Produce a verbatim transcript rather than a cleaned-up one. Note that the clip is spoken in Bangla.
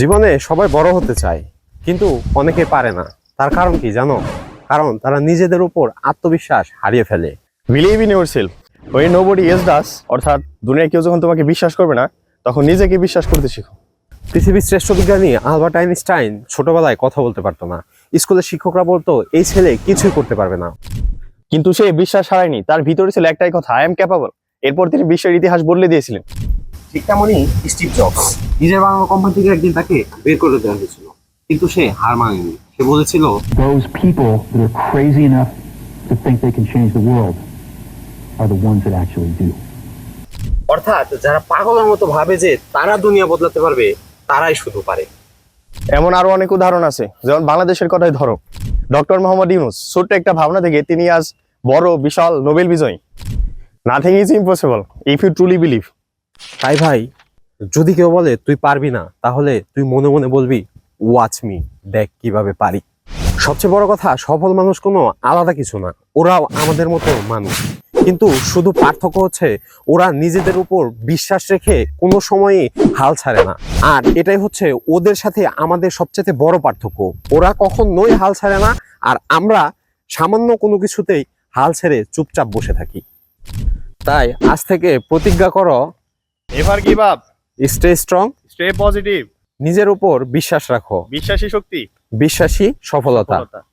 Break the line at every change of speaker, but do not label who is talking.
জীবনে সবাই বড় হতে চায়, কিন্তু অনেকে পারে না। তার কারণ কি জানো? কারণ তারা নিজেদের উপর আত্মবিশ্বাস হারিয়ে ফেলে।
বিলিভ ইন ইউর সেলফ ওই নোবডি এলস ডাস। অর্থাৎ দুনিয়ায় কেউ যখন তোমাকে বিশ্বাস করবে না, তখন নিজেকে বিশ্বাস করতে শিখো।
পৃথিবীর শ্রেষ্ঠ বিজ্ঞানী আলবার্ট আইনস্টাইন ছোটবেলায় কথা বলতে পারতো না। স্কুলের শিক্ষকরা বলতো এই ছেলে কিছুই করতে পারবে না,
কিন্তু সে বিশ্বাস হারায়নি। তার ভিতরে ছিল একটাই কথা, আই এম ক্যাপাবল। এরপর তিনি বিশ্বের ইতিহাস বদলে দিয়েছিলেন।
ঠিক তেমনই স্টিভ জবস, নিজের বানানো কোম্পানি থেকে একদিন তাকে বের করে দেওয়া হয়েছিল, কিন্তু সে হার মানেনি। সে বলেছিল,
Those people that are crazy enough to think they can change the world are the ones that actually do.
অর্থাৎ যারা পাগলের মতো ভাবে যে তারা দুনিয়া বদলাতে পারবে, তারাই শুধু পারে।
এমন আরো অনেক উদাহরণ আছে, যেমন বাংলাদেশের কথাই ধরো। ডক্টর মোহাম্মদ ইউনূস ছোট্ট একটা ভাবনা থেকে তিনি আজ বড় বিশাল নোবেল বিজয়ী। Nothing is impossible if you truly believe.
তাই ভাই, যদি কেউ বলে তুই পারবি না, তাহলে তুই মনে মনে বলবি, ওয়াচ মি, দেখ কিভাবে পারি। সবচেয়ে বড় কথা, সফল মানুষ কোনো আলাদা কিছু না, ওরাও আমাদের মতো মানুষ। কিন্তু শুধু পার্থক্য হচ্ছে ওরা নিজেদের উপর বিশ্বাস রেখে কোনো সময়ই হাল ছাড়ে না। আর এটাই হচ্ছে ওদের সাথে আমাদের সবচেয়ে বড় পার্থক্য। ওরা কখনোই হাল ছাড়ে না, আর আমরা সামান্য কোনো কিছুতেই হাল ছেড়ে চুপচাপ বসে থাকি। তাই আজ থেকে প্রতিজ্ঞা করো,
ever give up,
stay strong,
stay positive,
নিজের উপর বিশ্বাস রাখো।
বিশ্বাসী শক্তি,
বিশ্বাসী সফলতা।
সফলতা।